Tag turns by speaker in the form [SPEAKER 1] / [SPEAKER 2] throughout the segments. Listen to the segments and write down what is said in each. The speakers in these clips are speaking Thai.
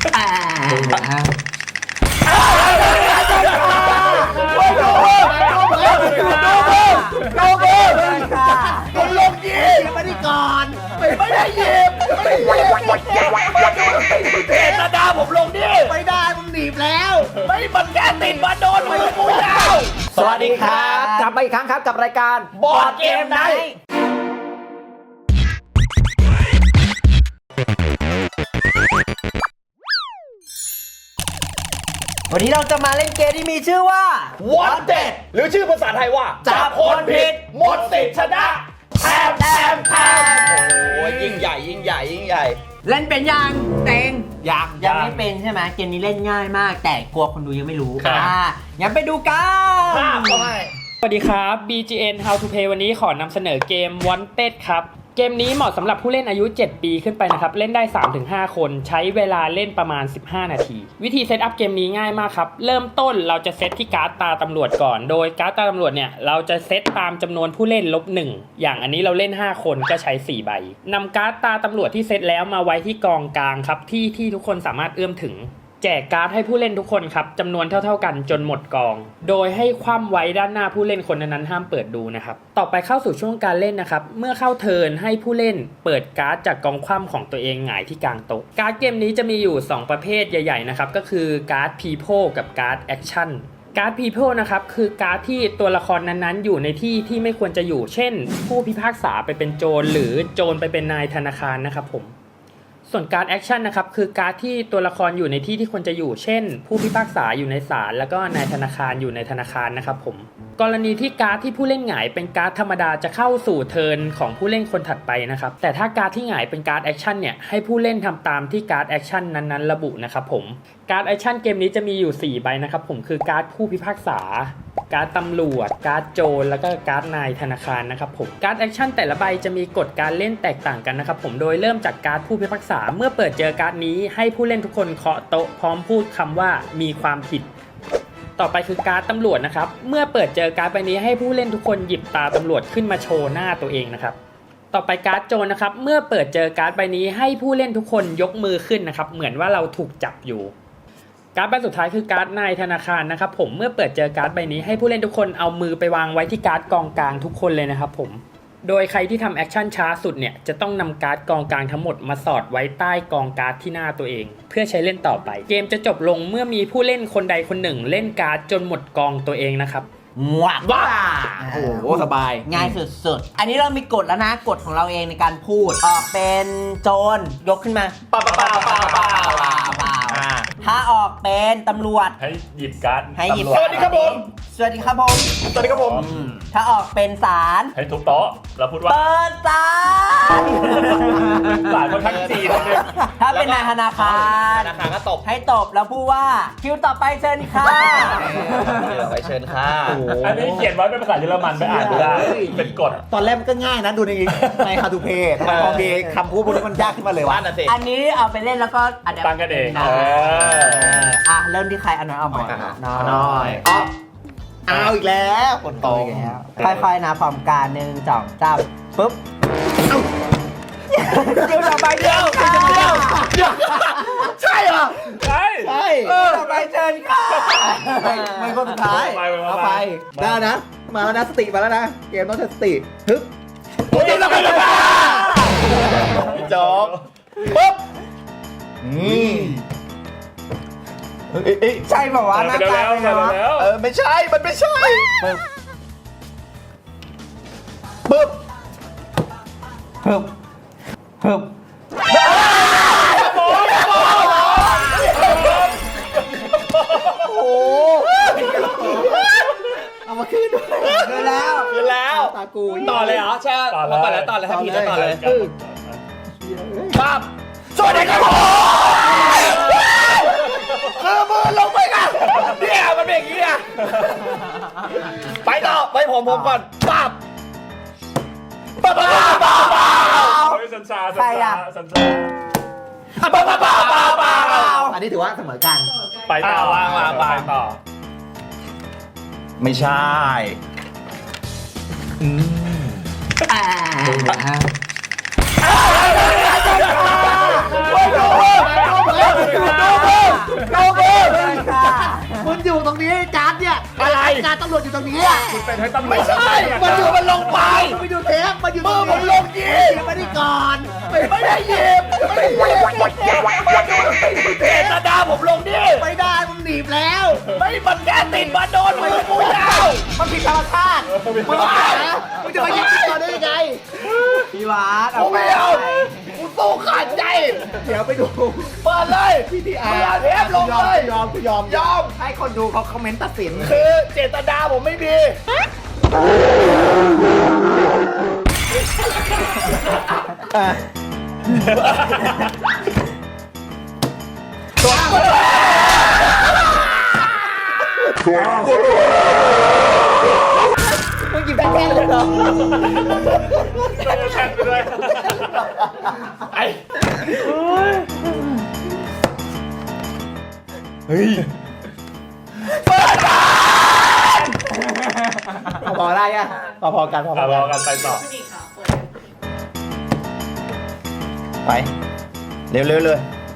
[SPEAKER 1] คุณลงยีไม่ได้ก่อนไม่ได้ยีบเจตนาผมลงนี่ไม่ได้มึงหนีบแล้วไม่มันแค่ติดมาโดนมือกูยาวสวัสดีครับกลับมาอีกครั้งครับกับรายการบอร์ดเกมไนท์วันนี้เราจะมาเล่นเกมที่มีชื่อว่า Wanted หรือชื่อภาษาไทยว่าจับคนผิดหมดสิทธิ์ชนะแทมโอ้ยยิ่งใหญ่
[SPEAKER 2] เล่นเป็นยังเต็ง
[SPEAKER 1] ยัง
[SPEAKER 2] ไม่เป็นใช่ไหมเกมนี้เล่นง่ายมากแต่กลัวคนดูยังไม่รู้งั้นไปดูกัน
[SPEAKER 3] สวัสดีครับ BGN How to Play วันนี้ขอนำเสนอเกม Wanted ครับเกมนี้เหมาะสำหรับผู้เล่นอายุ 7 ปีขึ้นไปนะครับเล่นได้ 3-5 คนใช้เวลาเล่นประมาณ 15 นาทีวิธีเซตอัพเกมนี้ง่ายมากครับเริ่มต้นเราจะเซตที่การ์ดตาตำรวจก่อนโดยการ์ดตาตำรวจเนี่ยเราจะเซตตามจำนวนผู้เล่น-1อย่างอันนี้เราเล่น5คนก็ใช้4ใบนำการ์ดตาตำรวจที่เซตแล้วมาไว้ที่กองกลางครับที่ทุกคนสามารถเอื้อมถึงแจกการ์ดให้ผู้เล่นทุกคนครับจำนวนเท่ากันจนหมดกองโดยให้คว่ำไว้ด้านหน้าผู้เล่นคนนั้นห้ามเปิดดูนะครับต่อไปเข้าสู่ช่วงการเล่นนะครับเมื่อเข้าเทิร์นให้ผู้เล่นเปิดการ์ดจากกองคว่ำของตัวเองหงายที่กลางโต๊ะการ์ดเกมนี้จะมีอยู่2ประเภทใหญ่ๆนะครับก็คือการ์ด People กับการ์ด Action การ์ด People นะครับคือการ์ดที่ตัวละครนั้นๆอยู่ในที่ที่ไม่ควรจะอยู่เช่นผู้พิพากษาไปเป็นโจรหรือโจรไปเป็นนายธนาคารนะครับผมส่วนการ์ดแอคชั่นนะครับคือการ์ดที่ตัวละครอยู่ในที่ที่ควรจะอยู่เช่นผู้พิพากษาอยู่ในศาลแล้วก็นายธนาคารอยู่ในธนาคารนะครับผมกรณีที่การ์ดที่ผู้เล่นหงายเป็นการ์ดธรรมดาจะเข้าสู่เทิร์นของผู้เล่นคนถัดไปนะครับแต่ถ้าการ์ดที่หงายเป็นการ์ดแอคชั่นเนี่ยให้ผู้เล่นทำตามที่การ์ดแอคชั่นนั้นๆระบุนะครับผมการ์ดแอคชั่นเกมนี้จะมีอยู่4ใบนะครับผมคือการ์ดผู้พิพากษาการ์ดตำรวจการ์ดโจรแล้วก็การ์ดนายธนาคารนะครับผมการ์ดแอคชั่นแต่ละใบจะมีกฎการเล่นแตกต่างกันนะครับผมโดยเริ่มจากการ์ดผู้พิพากษาเมื่อเปิดเจอการ์ดนี้ให้ผู้เล่นทุกคนเคาะโต๊ะพร้อมพูดคำว่ามีความผิดต่อไปคือการ์ดตำรวจนะครับเมื่อเปิดเจอการ์ดใบนี้ให้ผู้เล่นทุกคนหยิบตาตำรวจขึ้นมาโชว์หน้าตัวเองนะครับต่อไปการ์ดโจรนะครับเมื่อเปิดเจอการ์ดใบนี้ให้ผู้เล่นทุกคนยกมือขึ้นนะครับเหมือนว่าเราถูกจับอยู่การ์ดใบสุดท้ายคือการ์ดนายธนาคารนะครับผมเมื่อเปิดเจอการ์ดใบนี้ให้ผู้เล่นทุกคนเอามือไปวางไว้ที่การ์ดกองกลางทุกคนเลยนะครับผมโดยใครที่ทำแอคชั่นช้าสุดเนี่ยจะต้องนำการ์ดกองกลางทั้งหมดมาสอดไว้ใต้กองการ์ดที่หน้าตัวเองเพื่อใช้เล่นต่อไปเกมจะจบลงเมื่อมีผู้เล่นคนใดคนหนึ่งเล่นการ์ดจนหมดกองตัวเองนะครับ
[SPEAKER 2] ว้า
[SPEAKER 1] โอ้โหสบาย
[SPEAKER 2] ง่ายสุดๆอันนี้เรามีกฎแล้วนะกฎของเราเองในการพูดออกเป็นโจรยกขึ้นมา
[SPEAKER 1] ป่า
[SPEAKER 2] ถ้าออกเป็นตำรวจ
[SPEAKER 4] ให้หยิบการ์ด
[SPEAKER 2] ให้หยิบ
[SPEAKER 1] สวัสดีครับผม
[SPEAKER 2] สวัสดีครับผม
[SPEAKER 1] สวัสดีครับผม
[SPEAKER 2] ถ้าออกเป็นศาล
[SPEAKER 4] ให้ทุบโต๊ะแล้วพูดว่า
[SPEAKER 2] เปิดศาล
[SPEAKER 4] ศาลคนทั้งจีนเลย
[SPEAKER 2] ถ้าเป็นนายธนาคาร
[SPEAKER 1] ก็ตบ
[SPEAKER 2] ให้ตบแล้วพูดว่าคิวต่อไปเชิญค่ะ
[SPEAKER 1] ไปเชิญค่ะ
[SPEAKER 4] อันนี้เขียนไว้เป็นภาษาเยอรมันไปอ่านไม่ได้เป็นกฎ
[SPEAKER 1] ตอนแรกมันก็ง่ายนะดูในHow to Playทำไมพอมีคำพูดพวกนี้มันยากขึ้นมาเลยวะ
[SPEAKER 2] อันนี้เอาไปเล่นแล้วก็
[SPEAKER 4] ตั้งกันเอง
[SPEAKER 2] เริ่มที่ใครอันนั้นเอาหมด
[SPEAKER 1] น้อยเอาอีกแล้วคนโต
[SPEAKER 2] ค่อยๆนะพร้อมกัน1 2 3ปุ๊บเดี๋ยวต่อไปเดี๋ยว
[SPEAKER 1] ใช่เหรอ
[SPEAKER 4] ใช่
[SPEAKER 2] ต่อไปเชิญค่ะ
[SPEAKER 1] ไม่คนสุดท้ายเอาไปได้นะมาแล้วนะสติมาแล้วนะเกมต้องใช้สติฮึบโอ้ยเราไปเลยจบปุ๊บ
[SPEAKER 2] ใช่ป่าวะหน้าตาเป็นไงวะ
[SPEAKER 1] ไม่ใช่มันไม่ใช่ปึ๊บโอ้เอามาคืนด้วย
[SPEAKER 2] คืนแล้ว
[SPEAKER 1] ตากู
[SPEAKER 3] ต่อเลยเหรอใช่ต่อเลยถ้าพี่จะต่อเลย
[SPEAKER 1] ปั๊บสวัสดีครับผมคือมือลงไปกันเนี่ยมันเป็นอย่างนี้อ่ะไปต่อไปผมก่อนปั๊บ
[SPEAKER 4] ใครอ่ะ
[SPEAKER 1] อันนี้ถือว่าเสมอกัน
[SPEAKER 4] ไปต่อ
[SPEAKER 1] ไม่ใช่ดูอยู่ตรงนี้การ์ดเนี่ย
[SPEAKER 4] อะไร
[SPEAKER 1] การ์ดตำรวจอยู่ตรงนี้
[SPEAKER 4] คุณเป็นให้ตำรวจ
[SPEAKER 1] ไม่ใช่มันอยู่มันลงไปมันไปอยู่เทปมันอยู่ตรงนี้ผมลงยิงไม่ได้ก่อนไม่ได้ยิงไม่ได้ยิงเจตนาผมลงนี่ไม่ได้มันหนีบแล้วไม่มันแกติดมาโดนมันกูยาวมันผิดธรรมชาติมึงบ้ามึงจะมายิงก่อนได้ยังไง
[SPEAKER 2] พี่วาด
[SPEAKER 1] กูไม่เอากูสู้ขาดใจเดี๋ยวไปดูเปิดเลยพี่ทีอาร์เทปลงเลยยอมให้คนดูเขาคอมเมนต์ตัดสินคือเจตนาผมไม่มีมึงกินแป้งเลยเหรอ
[SPEAKER 4] แข่งไปเลยไอ้
[SPEAKER 1] เฮ้ยพอได้ยังพอกัน
[SPEAKER 4] รอกันไปต่อ
[SPEAKER 1] ไปเร็วเลย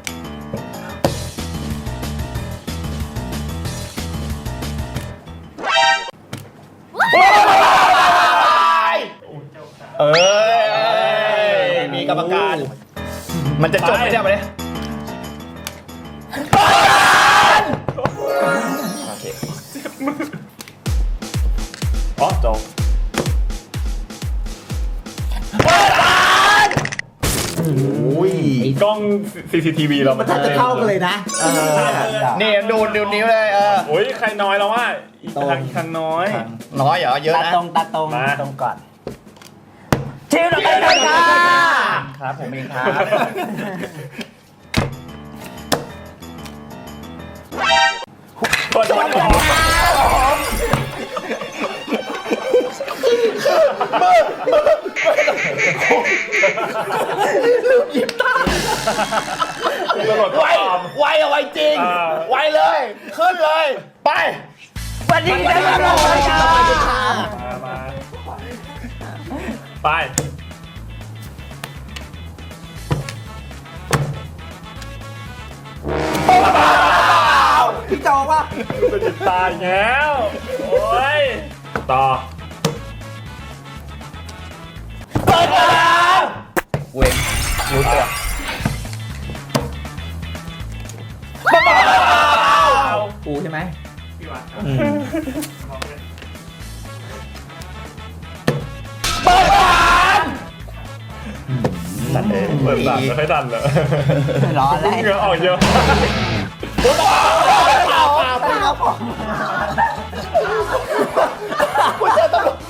[SPEAKER 1] เอ้ยมีกรรมการ มันจะจบไม่ได้ไหมเนี่ยโอเค
[SPEAKER 4] อ๋อจบ
[SPEAKER 1] อุ้ย
[SPEAKER 4] กล้อง CCTV เรามัน
[SPEAKER 1] จะเข้ากันเลยนะนี่ดูนิ้วเลย
[SPEAKER 4] โอ้ยใครน้อยแล้วว่าอีกทางน้อย
[SPEAKER 1] น้อยเหรอเยอะ
[SPEAKER 2] ตา
[SPEAKER 1] นะ
[SPEAKER 2] ตรง
[SPEAKER 4] มา
[SPEAKER 2] ตรงก่อนชิวเราไปกันค่ะ
[SPEAKER 1] ครับผมเองครับ
[SPEAKER 4] คนที่ออกตำรวจ
[SPEAKER 1] ไวเอาไวจริง ไวเลย ขึ้นเลย ไป
[SPEAKER 2] วันนี้ได้มาแล้วค่ะ
[SPEAKER 4] มาไป
[SPEAKER 2] พี่โจป่ะ
[SPEAKER 4] เป็นจิตตายแล้วโอ้ยต่อ
[SPEAKER 1] เว้นรู้ตัว กูใช่ไหม
[SPEAKER 4] ดันเองเปิดดันไม่ค่อยดันเลย
[SPEAKER 2] ร้อนแล้ว
[SPEAKER 4] เหงื่อออกเยอะ
[SPEAKER 1] กูเจอตำรวจ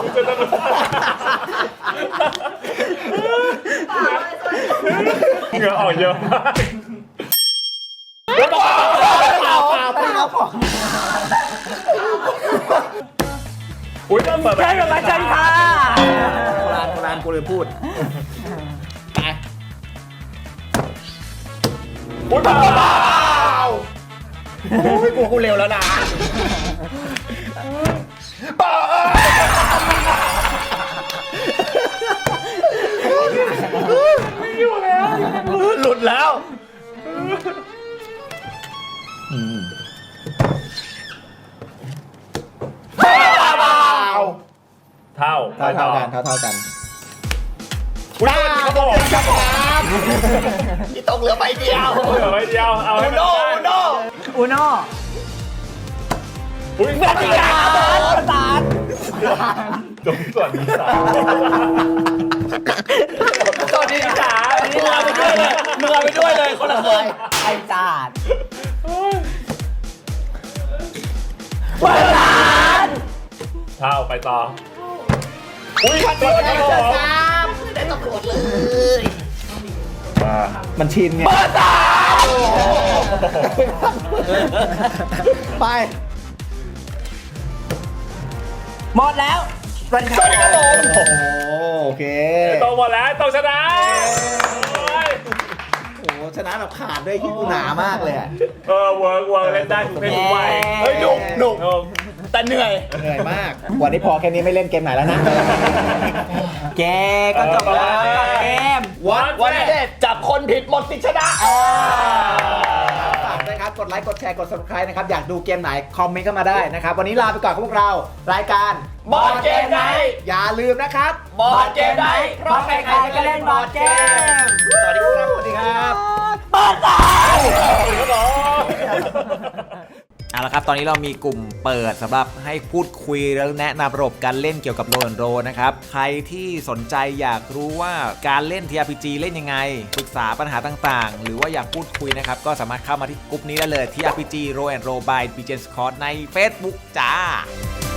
[SPEAKER 4] เหงื่อออกเยอะมากอุ้ยต้องเปิด
[SPEAKER 2] ใช่กับมาจันค่ะ
[SPEAKER 1] โบราณกูเลยพูด ไป
[SPEAKER 4] อุ้ยเปล่า
[SPEAKER 1] โอ้ยกูเร็วแล้วนะไม่อยู่แล้ว หลุดแล้ว
[SPEAKER 4] เท่า
[SPEAKER 1] เท่ากัน
[SPEAKER 4] อุ้ยเขาบอก
[SPEAKER 1] ที่ตกเหลือใบเดียว
[SPEAKER 4] เหลือไว้เดียวเอาให้มันได้
[SPEAKER 2] อูโน่
[SPEAKER 4] อุ้ย
[SPEAKER 2] ประสาน
[SPEAKER 4] จงส่วนดีสา
[SPEAKER 1] สวัสดีจ๋ามึงเอาไปด้วยเลยมึงเอาไปด้วยเลยคนละคน
[SPEAKER 2] ไอ้จาด
[SPEAKER 4] เท่าไปต่ออุ้ยตัวนี้เหรอ
[SPEAKER 1] ได้ตำรวจเลย
[SPEAKER 4] มา
[SPEAKER 1] มันชินไงไป
[SPEAKER 2] หมดแล้วเป็นครับผม
[SPEAKER 1] โอเค
[SPEAKER 4] ต้องหมดแล้วต้องชนะ
[SPEAKER 1] โอ้ชนะแบบขาดด้วยที่กูหนามากเลย
[SPEAKER 4] เวิร์กเล่นได้ทุกเพศทุกวัย
[SPEAKER 1] เฮ้ยหนุกแต่เหนื่อยมาก วันนี้พอแค่นี้ไม่เล่นเกมไหนแล้วนะ
[SPEAKER 2] แกก็จบแล้วกับเกม
[SPEAKER 1] วันเด็ดจับคนผิดหมดสิทธิ์ชนะฝากด้วยครับกดไลค์กดแชร์กด subscribe นะครับอยากดูเกมไหนคอมเมนต์เข้ามาได้นะครับวันนี้ลาไปก่อนกับพวกเรารายการ
[SPEAKER 4] Board Game Night
[SPEAKER 1] อย่าลืมนะครับ
[SPEAKER 4] Board Game Night เพราะใครๆก็เล่นบอร์ดเกม
[SPEAKER 1] สวัสดีครับสวัสดีครับ
[SPEAKER 5] เอาละครับตอนนี้เรามีกลุ่มเปิดสำหรับให้พูดคุยแล้วแนะนำระบบการเล่นเกี่ยวกับโรลโรนะครับใครที่สนใจอยากรู้ว่าการเล่น TRPG เล่นยังไงปรึกษาปัญหาต่างๆ หรือว่าอยากพูดคุยนะครับก็สามารถเข้ามาที่กลุ่มนี้ได้เลย TRPG Roll and Roll by BGN Scott ใน Facebook จ้า